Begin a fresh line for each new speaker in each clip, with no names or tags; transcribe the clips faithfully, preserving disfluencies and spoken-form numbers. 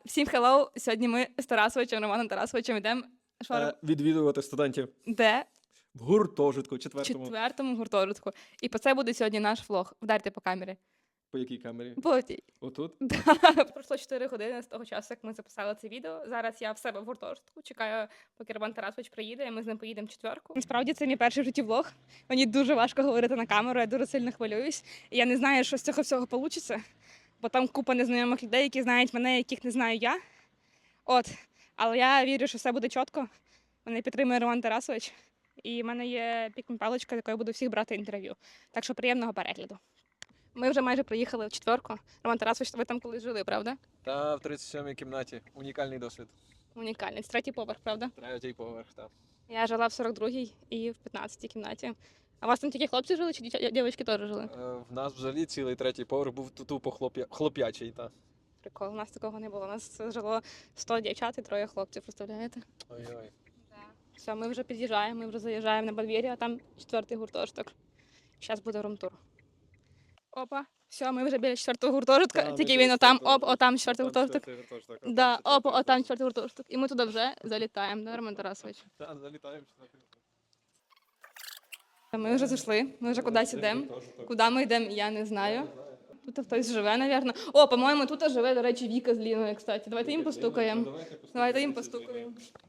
Всім хеллоу! Сьогодні ми з Тарасовичем, Романом Тарасовичем йдемо
Е, відвідувати студентів
де?
в гуртожитку
В
четвертому.
четвертому гуртожитку. І по це буде сьогодні наш влог. Вдарте по камері.
По якій камері?
По тій.
Отут?
Да. Пройшло чотири години з того часу, як ми записали це відео. Зараз я в себе в гуртожитку. Чекаю, поки Роман Тарасович приїде, і ми з ним поїдемо в четверку. Насправді це мій перший в житті влог. Мені дуже важко говорити на камеру, я дуже сильно хвилююсь. І я не знаю, що з цього всього вийде, бо там купа незнайомих людей, які знають мене, яких не знаю я. От. Але я вірю, що все буде чітко. Мене підтримує Роман Тарасович. І в мене є пікмі-паличка, з якою я буду всіх брати інтерв'ю. Так що приємного перегляду. Ми вже майже приїхали в четверку. Роман Тарасович, ви там колись жили, правда?
Та в тридцять сьомій кімнаті. Унікальний досвід.
Унікальний. Це третій поверх, правда?
Третій поверх, так.
Я жила в сорок другій і в п'ятнадцятій кімнаті. А у вас там тільки хлопці жили, чи дівча- дівчатки теж жили?
Е, в нас взагалі цілий третій поверх був тупо хлоп'я... хлоп'ячий, та.
Прикол, у нас такого не було. У нас жило сто дівчат і троє хлопців, представляєте?
Ой-ой.
Все, ми вже під'їжджаємо, ми вже заїжджаємо на подвір'я, а там четвертий гуртожиток. Зараз буде румтур. Опа, все, ми вже біля четвертого гуртожитка,
Та,
тільки
ми
він
вже
отам,
четвертого.
оп, отам четвертий гуртожиток.
Четвертий гуртожиток, а
Да,
там
опа,
четвертий
отам четвертий гуртожиток. І ми туди вже залітаємо, да, Роман Тарасович?
Так, залітаємо в четвертий гуртожиток.
Ми вже зайшли, ми вже кудись йдемо. Куди ми йдемо, я не знаю. Тут хтось живе, напевно. О, по-моєму, тут живе, до речі, Віка з Ліною, кстати. Давайте їм постукаємо. Давайте їм постукаємо.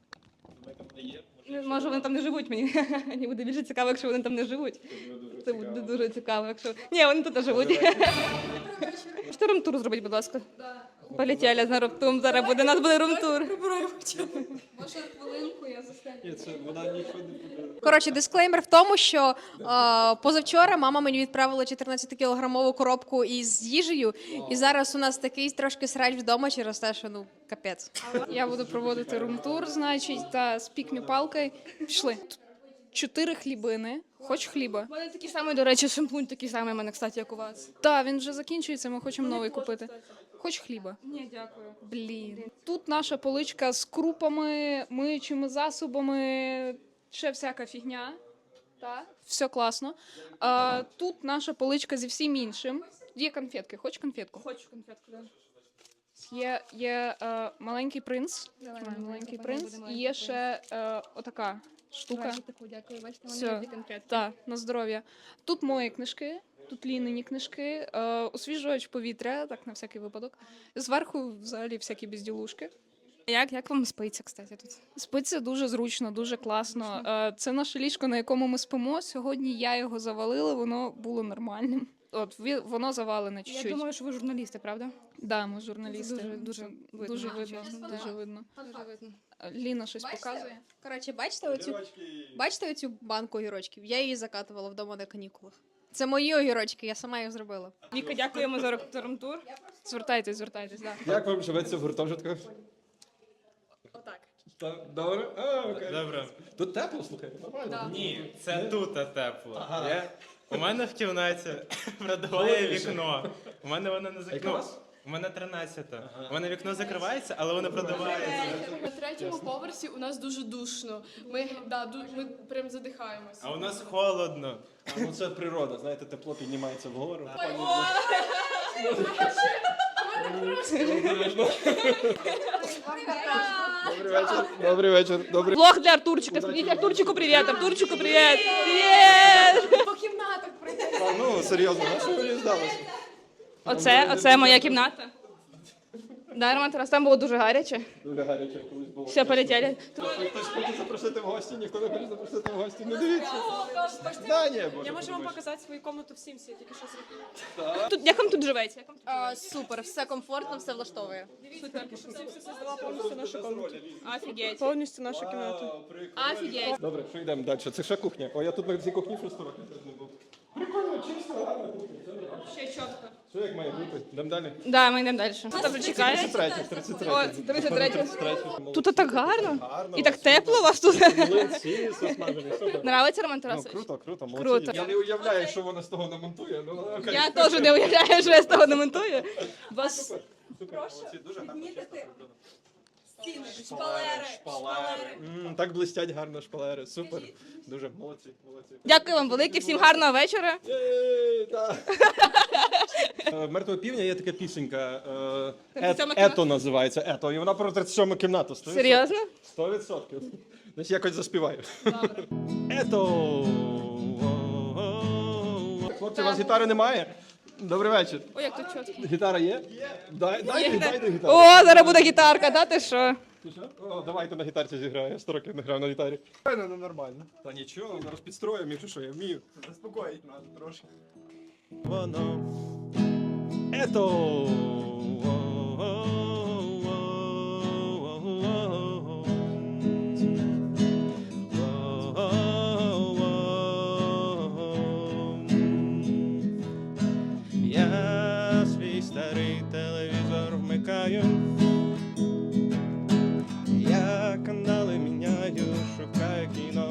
Може, вони там не живуть мені. Мені буде більше цікаво, якщо вони там не живуть. Це буде дуже цікаво, якщо... Ні, вони тут живуть. Можете румтур зробити, будь ласка? Полетіли на румтур, зараз буде, у нас буде румтур.
Може, хвилинку я застану.
Ні, це вона нічого не буде.
Коротше, дисклеймер в тому, що е, позавчора мама мені відправила чотирнадцятикілограмову коробку із їжею, і зараз у нас такий трошки срач вдома через те, що ну капець.
Я буду проводити румтур, значить, та з пікмі-палкою. Пішли. Тут чотири хлібини. Хоч хліба.
У мене такий самий, до речі, шампунь такий самий у мене, кстати, як у вас.
Так, він вже закінчується, ми хочемо новий купити. Хоч хліба.
Ні, дякую.
Блін. Тут наша поличка з крупами, миючими засобами, ще всяка фігня. Так, все класно. А, тут наша поличка зі всім іншим. Тут є конфетки. Хоч конфетку?
Хочу конфетку, да.
Є, є е, маленький принц.
Давай,
Тримай, маленький
давай,
принц.
буде
І
маленький
є ще е, отака штука.
Давайте таку, дякую. Бачите,
Все.
вони є конкретно.
Так, на здоров'я. Тут мої книжки, тут Лінині книжки, е, освіжувач повітря, так на всякий випадок. Зверху взагалі всякі безділушки.
Як, як вам спиться, кстати, тут?
Спиться дуже зручно, дуже класно. Е, це наше ліжко, на якому ми спимо. Сьогодні я його завалила, воно було нормальним. От ві- воно завалене
Я
чуть-чуть.
думаю, що ви журналісти, правда?
Да, ми журналісти.
Дуже- дуже видно,
дуже
якщо
видно.
чесно.
Дуже видно.
Дуже видно.
Е, Ліна щось показує.
Коротше, бачите оцю, бачите оцю банку огірочків? Я її закатувала вдома на канікулах. Це мої огірочки, я сама їх зробила.
Віка, дякуємо за ру- за румтур.
Звертайтесь, звертайтесь. Да.
Як вам живеться в гуртожитках?
Отак.
Та- Добре? А, окей.
Добре.
Тут тепло, слухай, нормально.
Ні, це тут тепло.
Ага.
Я... У мене в кімнаті продуває вікно. У мене воно не
яка у
закрито.
вас?
У мене тринадцята. У мене вікно закривається, але воно продувається.
На третьому поверсі у нас дуже душно. Ми, да, ду- ми прям задихаємось.
А у нас холодно.
А, ну це природа, знаєте, тепло піднімається вгору. Добрий вечір. Добрий вечір. Добрий.
Влог для Артурчика. Скажіть Артурчику привіт. Артурчику привіт. Привіт.
По кімнатах пройти.
А, ну, серйозно, на що мені здалося?
Оце, оце моя кімната. Да, Роман Тарас, там було дуже гаряче.
Дуже гаряче колись було.
Все, полетіли.
Хтось хоче запросити в гості, ніхто не хоче запросити в гості. Не дивіться. Да, ні, боже.
Я можу вам
подумаєш.
показати свою комнату в Сімсі, я тільки що зробила.
Тут, як вам тут живеться? Як вам тут
А, супер, все комфортно, все влаштовує.
Повністю нашу комнату.
Офігеть.
Повністю нашу кімнату.
Офігеть.
Добре, що йдемо далі? Це ще кухня. О, я тут на цій кухні шість років теж не був. Прикольно, чисто, гарна кухня. все нормально.
Ще чітко.
Що як має бути? Йдемо далі.
Да, ми йдемо далі. Хто вже чекає?
тридцять третє, тридцять третє.
О, тридцять третє.
тридцять третє.
Тут так гарно.
Гарно.
І так тепло у вас тут.
Млинці засмажені, супер.
Нравиться, Роман
Ну,
Тарасович?
круто, круто, молодці.
Круто.
Я не уявляю, що вона з того намонтує. Ну, окей.
Я теж не уявляю, що я з того не монтую. Вас...
Супер, супер, молодці, дуже гарно. Шпалери, шпалери. М, Так блистять гарно шпалери. Супер. Дуже молодці, молодці.
Дякую вам велике, всім гарного вечора.
Єй, так. Е, Мертвого півня є така пісенька. е,
тридцять сьома
Ет-
кімната?
Ето називається. Ето. І вона про тридцять сьому кімнату. сто відсотків.
Серйозно?
Сто відсотків. Значить, якось заспіваю. Ето. Хлопці, у вас гітари немає? Добрий вечір.
Ой, як тут чітко.
Гітара є? Дай, дайте, дайте гітару.
О, зараз буде гітарка, да ти що?
Ти що? О, давайте на гітарці зіграю. Я сто років не грав на гітарі. Ну, нормально. Та нічого, зараз підстроїмо, якщо що, я вмію. Заспокоїть нас трошки. Воно. Ето. Я свій старий телевізор вмикаю. Я канали міняю, шукаю кіно.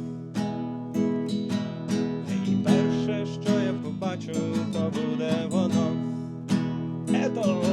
І перше, що я побачу, то буде воно. Ето!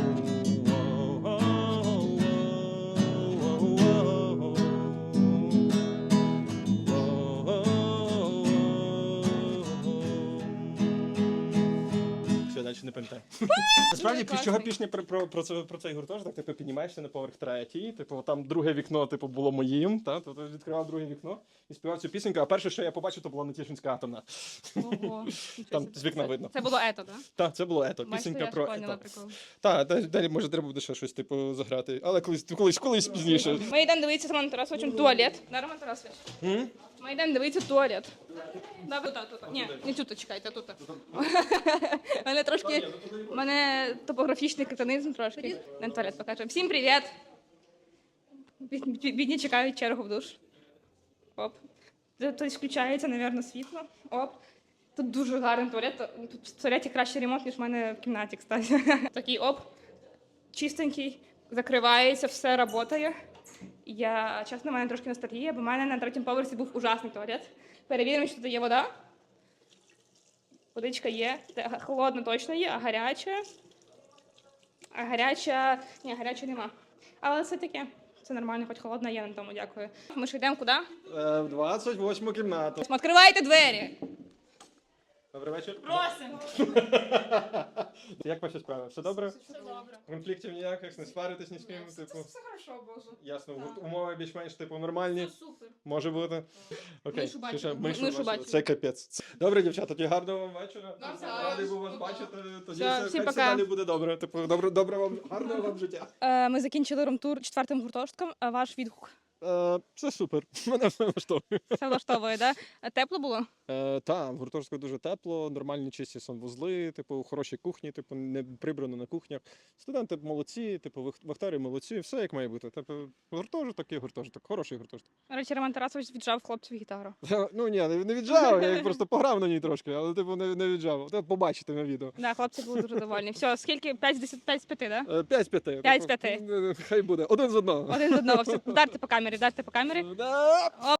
Все, далі не пам'ятаю. Насправді, під чого пісня про, про, про, це- про цей гуртожиток, типу, піднімаєшся на поверх третій, типу, там друге вікно, типу, було моїм, та, тобто відкривав друге вікно і співав цю пісеньку, а перше, що я побачив, то була Нетішинська атомна.
Ого.
Там з вікна видно.
Це було ето, так?
Так, це було ето,
Бачите,
пісенька
я ж
про
поняла
ето.
прикол.
Так, далі, далі, може, треба буде ще щось, типу, заграти, але колись, колись, колись пізніше.
Ми йдемо дивитися з Романом Тарасовичем туалет. Да, Роман Тарасович?
М?
Ми йдемо дивитися туалет. Да, тут, тут. Ні, не тут, чекайте, тут. У мене трошки, у мене топографічний кретинизм трошки. Йдемо туалет покажемо. Всім привіт! Бід- бід- Бідні чекають чергу в душ. Оп. Тут включається, напевно, світло. Оп. Тут дуже гарний туалет. Тут в туалеті кращий ремонт, ніж в мене в кімнаті, кстати. Такий оп. Чистенький, закривається, все працює. Я, чесно, в мене трошки ностальгія, бо в мене на третьому поверсі був ужасний туалет. Перевіримо, що тут є вода. Водичка є. Те- Холодна точно є, а гаряча. А гаряча. Ні, гарячої нема. Але це таке. Це нормально, хоч холодна є, на тому дякую. Ми ж йдемо куди?
Е, В двадцять восьму кімнату.
Відкривайте двері!
Добрий вечір.
Просимо!
Як ваші справи? Все добре? Все добре. Конфліктів ніяких, не сваритесь ні з ким, типу.
Все хорошо, Боже.
Ясно, умови більш-менш типу нормальні.
Супер.
Може бути. Окей.
Мишу бачили.
Ще-
Ми-
мишу
мишу
бачили.
бачили.
Це капець. Це- Добре, дівчата, тоді гарного вам вечора.
Навзаєм.
Радий був вас бачити. Тоді
Все,
все,
всім
хай все
пока.
далі буде добре. Типу, добре, добре вам, гарного вам життя.
Е, Ми закінчили румтур четвертим гуртожитком, а ваш відгук?
Е, Це супер. Мене все влаштовує.
Все влаштовує, да? А тепло було?
Е, Та, в гуртожитку дуже тепло, нормальні чисті санвузли, типу, хороші кухні, типу, не прибрано на кухнях. Студенти молодці, типу, вах- вахтери молодці, все як має бути. Типу, гуртожиток і гуртожиток, хороший гуртожиток.
До речі, Роман Тарасович віджав хлопців гітару.
Ну ні, не, не віджав, я їх просто пограв на ній трошки, але типу не, не віджав. Це побачите на відео.
Да, хлопці були дуже довольні. Все, скільки? п'ять з десяти, п'ять з п'яти, да?
Е, П'ять з п'яти.
П'ять з
Типу,
п'яти.
е, Хай буде. Один з одного.
Один з одного. Все, вдарте по камері, вдарте по камері.
Да.